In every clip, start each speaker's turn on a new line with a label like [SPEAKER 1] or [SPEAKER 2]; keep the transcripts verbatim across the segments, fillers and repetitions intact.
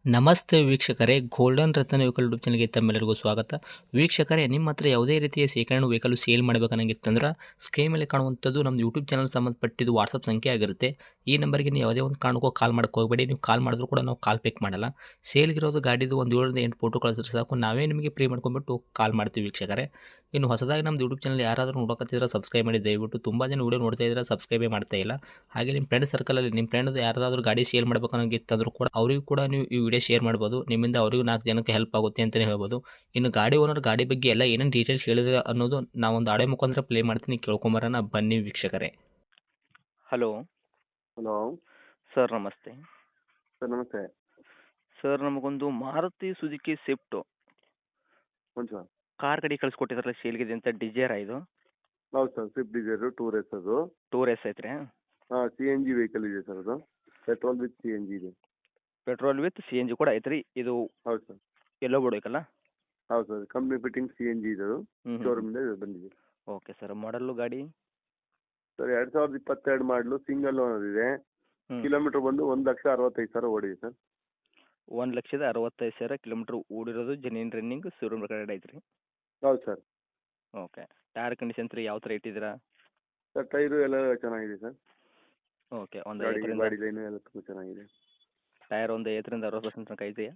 [SPEAKER 1] ನಮಸ್ತೆ ವೀಕ್ಷಕರೇ, ಗೋಲ್ಡನ್ ರತ್ನ vehicle YouTube ಚಾನಲ್ಗೆ ತಮ್ಮೆಲ್ಲರಿಗೂ ಸ್ವಾಗತ. ವೀಕ್ಷಕರೇ, ನಿಮ್ಮ ಹತ್ರ ಯಾವುದೇ ರೀತಿಯ ಶೇಖರಣೆ ವೆಹಿಕಲ್ ಸೇಲ್ ಮಾಡಬೇಕನ್ನಂಗಿತ್ತಂದ್ರೆ ಸ್ಕ್ರೀನ್ ಮೇಲೆ ಕಾಣುವಂಥದ್ದು ನಮ್ಮ ಯೂಟ್ಯೂಬ್ ಚಾನಲ್ ಸಂಬಂಧಪಟ್ಟಿದ್ದು ವಾಟ್ಸಪ್ ಸಂಖ್ಯೆ ಆಗಿರುತ್ತೆ. ಈ ನಂಬರ್ಗೆ ನೀವು ಯಾವುದೇ ಒಂದು ಕಾರಣಕ್ಕೂ ಕಾಲ್ ಮಾಡಕ್ಕೆ ಹೋಗಬೇಡಿ. ನೀವು ಕಾಲ್ ಮಾಡಿದ್ರು ಕೂಡ ನಾವು ಕಾಲ್ ಪಿಕ್ ಮಾಡಲ್ಲ. ಸೇಲ್ಗಿರೋದು ಗಾಡಿದು ಒಂದು ಏಳರಿಂದ ಎಂಟು ಫೋಟೋ ಕಳಿಸಿದ್ರೆ ಸಾಕು, ನಾವೇ ನಿಮಗೆ ಪ್ರೀ ಮಾಡ್ಕೊಂಡ್ಬಿಟ್ಟು ಕಾಲ್ ಮಾಡ್ತೀವಿ ವೀಕ್ಷಕರೇ. ಇನ್ನು ಹೊಸದಾಗಿ ನಮ್ಮದು ಯೂಟ್ಯೂಬ್ ಚಾನಲ್ ಯಾರಾದರೂ ನೋಡೋಕತ್ತಿದ್ರೆ ಸಬ್ಸ್ಕ್ರೈಬ್ ಮಾಡಿ ದಯವಿಟ್ಟು. ತುಂಬ ಜನ ವೀಡಿಯೋ ನೋಡ್ತಾ ಇದ್ದಾರೆ, ಸಬ್ಸ್ಕ್ರೈಬೇ ಮಾಡ್ತಾ ಇಲ್ಲ. ಹಾಗೆ ನಿಮ್ಮ ಫ್ರೆಂಡ್ ಸರ್ಕಲಲ್ಲಿ ನಿಮ್ಮ ಫ್ರೆಂಡ್ ಯಾರಾದರೂ ಗಾಡಿ ಸೇಲ್ ಮಾಡ್ಬೇಕನ್ನೋಂಗಿತ್ತಂದ್ರೂ ಕೂಡ ಅವರಿಗೂ ಕೂಡ ನೀವು ಈ ವಿಡಿಯೋ ಶೇರ್ ಮಾಡ್ಬೋದು. ನಿಮ್ಮಿಂದ ಅವರಿಗೂ ನಾಲ್ಕು ಜನಕ್ಕೆ ಹೆಲ್ಪ್ ಆಗುತ್ತೆ ಅಂತಲೇ ಹೇಳ್ಬೋದು. ಇನ್ನು ಗಾಡಿ ಓನರ್ ಗಾಡಿ ಬಗ್ಗೆ ಎಲ್ಲ ಏನೇನು ಡೀಟೇಲ್ಸ್ ಹೇಳಿದ್ರೆ ಅನ್ನೋದು ನಾವೊಂದು ಆಡೆ ಮುಖಾಂತರ ಪ್ಲೇ ಮಾಡ್ತೀನಿ, ಕೇಳ್ಕೊಂಬರೋಣ ಬನ್ನಿ ವೀಕ್ಷಕರೇ. ಹಲೋ
[SPEAKER 2] ಹಲೋ
[SPEAKER 1] ಸರ್, ನಮಸ್ತೆ.
[SPEAKER 2] ಸರ್ ನಮಸ್ತೆ.
[SPEAKER 1] ಸರ್, ನಮಗೊಂದು ಮಾರುತಿ ಸುಜುಕಿ ಸ್ವಿಫ್ಟು
[SPEAKER 2] ಒಂದು ಸರ್.
[SPEAKER 1] ಕಾರ್ ಗಾಡಿ ಕಳಿಸ್ಕೊಟ್ಟಿದ್ರಲ್ಲ ಸೇಲ್ಗಿದೆ ಅಂತ, ಡಿಸೈರಾ ಇದು?
[SPEAKER 2] ಹೌದು sir, Swift Dzire tour S ಅದು.
[SPEAKER 1] ಟೂರ್ ಎಸ್ ಐತ್ರಿ?
[SPEAKER 2] ಹಾಂ, ಸಿ ಎನ್ ಜಿ ವೆಹಿಕಲ್ ಇದೆ ಸರ್ ಅದು. Petrol with C N G ಇದೆ.
[SPEAKER 1] Petrol with C N G ಕೂಡ ಐತ್ರಿ ಇದು?
[SPEAKER 2] ಹೌದು ಸರ್.
[SPEAKER 1] ಎಲ್ಲೋ ಬೋರ್ಡ್
[SPEAKER 2] ಹೌದು sir, company fitting C N G ಇದೆ ಅದು.
[SPEAKER 1] ಹ್ಞೂ
[SPEAKER 2] ಶೋರೂಮಿಂದ ಬಂದಿದೆ.
[SPEAKER 1] Okay sir. ಮಾಡಲ್ಲು ಗಾಡಿ?
[SPEAKER 2] ಸರ್ ಎರಡು ಸಾವಿರದ ಇಪ್ಪತ್ತೆರಡು ಮಾಡಲು, ಸಿಂಗಲ್ ಓನರ್ ಇದೆ.
[SPEAKER 1] ಹ್ಞೂ
[SPEAKER 2] ಕಿಲೋಮೀಟ್ರ್ ಬಂದು ಒಂದು ಲಕ್ಷ ಅರವತ್ತೈದು ಸಾವಿರ ಓಡಿದೆ ಸರ್.
[SPEAKER 1] ಒಂದು ಲಕ್ಷದ ಅರವತ್ತೈದು ಸಾವಿರ ಕಿಲೋಮೀಟ್ರ್ ಓಡಿರೋದು, ಜೆನ್ಯೂನ್ ರನ್ನಿಂಗ್, ಶೋರೂಮ್ ರೆಕಾರ್ಡ್ ಐತ್ರಿ?
[SPEAKER 2] ಹೌದು ಸರ್.
[SPEAKER 1] ಓಕೆ. ಟೈರ್ ಕಂಡೀಷನ್ಸ್ ರೀ ಯಾವ ಥರ ಇಟ್ಟಿದ್ದೀರಾ?
[SPEAKER 2] ಸರ್ ಟೈರು ಎಲ್ಲ ಚೆನ್ನಾಗಿದೆ ಸರ್.
[SPEAKER 1] ಓಕೆ. ಒಂದು
[SPEAKER 2] ಗಾಡಿ
[SPEAKER 1] ಐವತ್ತರಿಂದ
[SPEAKER 2] ಗಾಡಿ ಲೈನು ಎಲ್ಲ ತುಂಬ ಚೆನ್ನಾಗಿದೆ.
[SPEAKER 1] ಟೈರ್ ಒಂದು ಐವತ್ತರಿಂದ ಅರವತ್ತು ಪರ್ಸೆಂಟ್ ತನಕ ಇದೆಯಾ?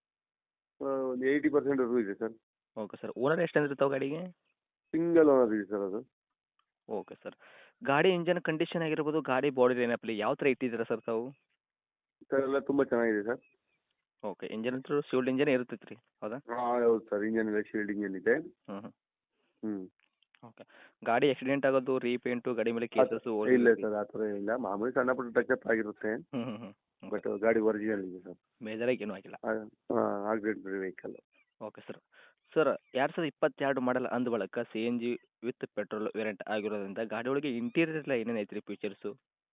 [SPEAKER 2] ಆ, ಒಂದು ಏಯ್ಟಿ ಪರ್ಸೆಂಟ್ವರೆಗೂ ಇದೆ ಸರ್.
[SPEAKER 1] Okay sir. ಓನರ್ ಎಷ್ಟು ಅಂದಿರ್ತಾವೆ ಗಾಡಿಗೆ?
[SPEAKER 2] ಸಿಂಗಲ್ ಓನರ್ ಇದೆ ಸರ್ ಅದು.
[SPEAKER 1] Okay sir. ಗಾಡಿ ಇಂಜನ್ ಕಂಡೀಷನ್ ಆಗಿರ್ಬೋದು, ಗಾಡಿ ಬಾಡಿ ಲೈನಪ್ಪಲ್ಲಿ ಯಾವ ಥರ ಇಟ್ಟಿದ್ದೀರಾ ಸರ್ ತಾವು?
[SPEAKER 2] ಸರ್ ಎಲ್ಲ ತುಂಬ ಚೆನ್ನಾಗಿದೆ ಸರ್.
[SPEAKER 1] ಓಕೆ. ಇಂಜನ್ ಅಂತೂ ಶಿವಲ್ಡ್ ಇಂಜನ್ ಇರ್ತೈತೆ ರೀ, ಹೌದಾ?
[SPEAKER 2] ಹಾಂ ಹೌದು ಸರ್, ಇಂಜನ್ ಎಲ್ಲ ಶೀಲ್ಡ್ ಇಂಜನ್ ಇದೆ.
[SPEAKER 1] ಹ್ಞೂ ಹ್ಞೂ
[SPEAKER 2] ಹ್ಞೂ.
[SPEAKER 1] ಓಕೆ. ಗಾಡಿ ಆಕ್ಸಿಡೆಂಟ್ ಆಗೋದು, ರೀಪೇಂಟು, ಗಾಡಿ ಮೇಲೆ
[SPEAKER 2] ಆ ಥರ
[SPEAKER 1] ಕೇಸಸ್ಸು
[SPEAKER 2] ಇಲ್ಲ ಸರ್, ಆ ಥರ ಇಲ್ಲ. ಮಾಮೂಲಿ ಸಣ್ಣ ಪುಟ್ಟ ಟಚಪ್ ಆಗಿರುತ್ತೆ.
[SPEAKER 1] ಹ್ಞೂ ಹ್ಞೂ ಹ್ಞೂ
[SPEAKER 2] ಬಟ್ ಗಾಡಿ ಒರಿಜಿನಲ್ ಇದೆ ಸರ್.
[SPEAKER 1] ಮೇಜರಾಗಿ ಏನೂ ಆಗಿಲ್ಲ.
[SPEAKER 2] ಹಾಂ, accident free vehicle.
[SPEAKER 1] Okay sir. Sir, ಎರಡು ಸಾವಿರದ ಇಪ್ಪತ್ತೆರಡು ಮಾಡಲ್ ಅಂದ ಬಳಿಕ C N G with petrol variant ಆಗಿರೋದ್ರಿಂದ ಗಾಡಿ ಒಳಗೆ ಇಂಟೀರಿಯರ್ ಎಲ್ಲ ಏನೇನು ಐತ್ರಿ ಫೀಚರ್ಸು?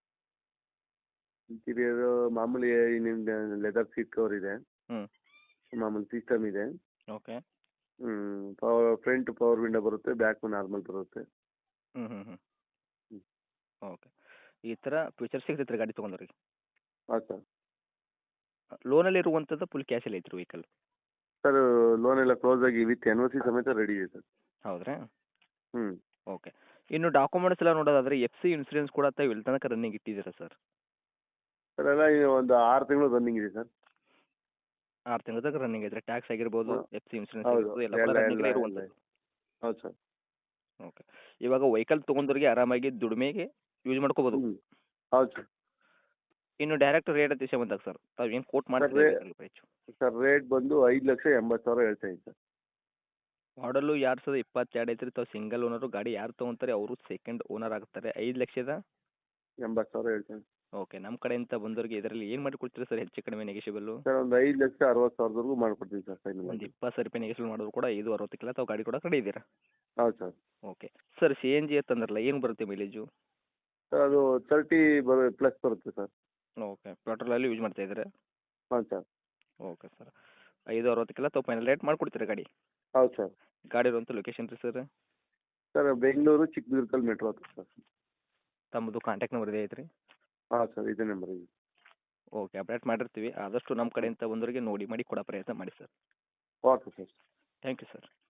[SPEAKER 2] ಇಂಟೀರಿಯರ್ ಮಾಮೂಲಿ ಇನ್ನಿಂದ ಲೆದರ್ ಸೀಟ್ ಕವರ್ ಇದೆ.
[SPEAKER 1] ಹ್ಞೂ
[SPEAKER 2] ಮಾಮೂಲಿ ಸಿಸ್ಟಮ್ ಇದೆ.
[SPEAKER 1] ಓಕೆ.
[SPEAKER 2] ಹ್ಞೂ. ಪವರ್ ಫ್ರಂಟ್ ಪವರ್ ವಿಂಡೋ ಬರುತ್ತೆ, ಬ್ಯಾಕ್ ನಾರ್ಮಲ್ ಬರುತ್ತೆ.
[SPEAKER 1] ಹ್ಞೂ ಹ್ಞೂ ಹ್ಞೂ
[SPEAKER 2] ಹ್ಞೂ.
[SPEAKER 1] ಓಕೆ. ಈ ಥರ ಫೀಚರ್ಸ್ ಸಿಗ್ತೈತೆ ರೀ ಗಾಡಿ ತೊಗೊಂಡ್ರಿಗೆ?
[SPEAKER 2] ಹಾಂ ಸರ್.
[SPEAKER 1] ಲೋನಲ್ಲಿ ಇರುವಂಥದ್ದು ಫುಲ್ ಕ್ಯಾಶಲ್ಲಿ ಐತ್ರಿ ವೆಹಿಕಲ್?
[SPEAKER 2] ಸರ್ ಲೋನ್ ಎಲ್ಲ ಕ್ಲೋಸ್ ಆಗಿ ವಿತ್ ಎನ್ ಒ ಸಿ ಸಮೇತ ರೆಡಿ ಇದೆ ಸರ್.
[SPEAKER 1] ಹೌದ್ರಾ?
[SPEAKER 2] ಹ್ಞೂ.
[SPEAKER 1] ಓಕೆ. ಇನ್ನು ಡಾಕ್ಯುಮೆಂಟ್ಸ್ ಎಲ್ಲ ನೋಡೋದಾದ್ರೆ ಎಫ್ ಸಿ ಇನ್ಸೂರೆನ್ಸ್ ಕೂಡ ತಾವು ಎಲ್ಲಿ ತನಕ ರನ್ನಿಂಗ್ ಇಟ್ಟಿದ್ದೀರಾ ಸರ್?
[SPEAKER 2] ಸರ್ ಎಲ್ಲ ಈಗ ಒಂದು ಆರು ತಿಂಗಳು ರನ್ನಿಂಗ್ ಇದೆ ಸರ್.
[SPEAKER 1] ಆರು ತಿಂಗಳ ತನಕ ರನ್ನಿಂಗ್ ಐತ್ರಿ. ಟ್ಯಾಕ್ಸ್ ಆಗಿರ್ಬೋದು,
[SPEAKER 2] ಹಾಂ.
[SPEAKER 1] ಎಫ್ ಸಿ ಇನ್ಸೂರೆನ್ಸ್
[SPEAKER 2] ಹೌದು,
[SPEAKER 1] ಆಗಿರ್ಬೋದು, ಎಲ್ಲ ಕೂಡ
[SPEAKER 2] ಎಲ್ಲ ಎಲ್ಲ
[SPEAKER 1] ರನ್ನಿಂಗಲ್ಲೇ
[SPEAKER 2] ಎಲ್ಲ
[SPEAKER 1] ಇರುವಂಥದ್ದು?
[SPEAKER 2] ಹೌದು ಸರ್.
[SPEAKER 1] ಓಕೆ. ಇವಾಗ ವೆಹಿಕಲ್ ತೊಗೊಂಡವ್ರಿಗೆ ಆರಾಮಾಗಿ ದುಡಿಮೆಗೆ ಯೂಸ್ ಮಾಡ್ಕೋಬೋದು.
[SPEAKER 2] ಹ್ಞೂ. ಹೌದು ಸರ್.
[SPEAKER 1] ಇನ್ನು ಡೈರೆಕ್ಟ್ ರೇಟ್ ವಿಷಯ ಬಂದಾಗ ಸರ್, ತಾವು ಏನು ಕೋಟ್
[SPEAKER 2] ಸರ್
[SPEAKER 1] ಮಾಡ್ತೀರಾ
[SPEAKER 2] ರೇ
[SPEAKER 1] ವೆಹಿಕಲ್ ಪ್ರೈಸು?
[SPEAKER 2] ಸರ್ ರೇಟ್ ಬಂದು ಐದು ಲಕ್ಷ ಎಂಬತ್ತು ಸಾವಿರ ಹೇಳ್ತಾ ಇದ್ದೀನಿ ಸರ್.
[SPEAKER 1] ಮಾಡಲು ಎರಡು ಸಾವಿರದ ಇಪ್ಪತ್ತೆರಡು ಐತ್ರಿ. ತಾವು ಸಿಂಗಲ್ ಓನರು. ಗಾಡಿ ಯಾರು ತೊಗೊಂತಾರೆ ಅವರು ಸೆಕೆಂಡ್ ಓನರ್ ಆಗ್ತಾರೆ. ಐದು ಲಕ್ಷದ
[SPEAKER 2] ಎಂಬತ್ತು ಸಾವಿರ ಹೇಳ್ತೇನೆ.
[SPEAKER 1] ಓಕೆ. ನಮ್ಮ ಕಡೆಯಿಂದ ಬಂದವರಿಗೆ ಇದರಲ್ಲಿ ಏನು ಮಾಡಿ ಕೊಡ್ತೀರಾ ಸರ್, ಹೆಚ್ಚು ಕಡಿಮೆ ನೆಗೆಷಿಬಲ್ಲು?
[SPEAKER 2] ಸರ್ ಒಂದು ಐದು ಲಕ್ಷ ಅರವತ್ತು ಸಾವಿರದವರೆಗೂ ಮಾಡ್ಕೊಡ್ತೀವಿ ಸರ್ ಫೈನಲ್
[SPEAKER 1] ಒಂದು
[SPEAKER 2] ಆಗಿ.
[SPEAKER 1] ಇಪ್ಪತ್ತು ಸಾವಿರ ರೂಪಾಯಿ ನೆಗೆಷಿಬಲ್ ಮಾಡೋದು ಕೂಡ ಐದು ಅರವತ್ತಕ್ಕೆಲ್ಲ ತಾವು ಗಾಡಿ ಕೂಡ ಕಡೆ ಇದ್ದೀರಾ?
[SPEAKER 2] ಹೌದು sir.
[SPEAKER 1] Okay. Sir, C N G ಅಂತಂದ್ರಲ್ಲ, ಏನು ಬರುತ್ತೆ ಮೈಲೇಜು?
[SPEAKER 2] ಸರ್ ಅದು ತರ್ಟಿ ಬರೋ ಪ್ಲಸ್ ಬರುತ್ತೆ ಸರ್.
[SPEAKER 1] ಓಕೆ. ಪೆಟ್ರೋಲಲ್ಲಿ ಯೂಸ್ ಮಾಡ್ತಾ ಇದ್ದಾರೆ?
[SPEAKER 2] ಹಾಂ ಸರ್.
[SPEAKER 1] Okay sir. ಐದು ಅರವತ್ತಕ್ಕೆಲ್ಲ ತಾವು ಫೈನಲ್ ರೇಟ್ ಮಾಡಿಕೊಡ್ತೀರಾ ಗಾಡಿ?
[SPEAKER 2] ಹೌದು ಸರ್.
[SPEAKER 1] ಗಾಡಿ ಇರುವಂಥ ಲೊಕೇಶನ್ ರೀ ಸರ್?
[SPEAKER 2] ಸರ್ ಬೆಂಗಳೂರು ಚಿಕ್ಕದುರ್ಗದಲ್ಲಿ ಮೆಟ್ರೋ ಹತ್ರ ಸರ್.
[SPEAKER 1] ತಮ್ಮದು ಕಾಂಟ್ಯಾಕ್ಟ್ ನಂಬರ್ ಇದೆ ಐತ್ರಿ?
[SPEAKER 2] ಹಾಂ ಸರ್, ಇದೇ ನಂಬರ್ ಇದೆ.
[SPEAKER 1] ಓಕೆ. ಅಪ್ಡೇಟ್ ಮಾಡಿರ್ತೀವಿ. ಆದಷ್ಟು ನಮ್ಮ ಕಡೆಯಿಂದ ಬಂದವರಿಗೆ ನೋಡಿ ಮಾಡಿ ಕೊಡೋ ಪ್ರಯತ್ನ ಮಾಡಿ sir.
[SPEAKER 2] Okay sir.
[SPEAKER 1] Thank you sir.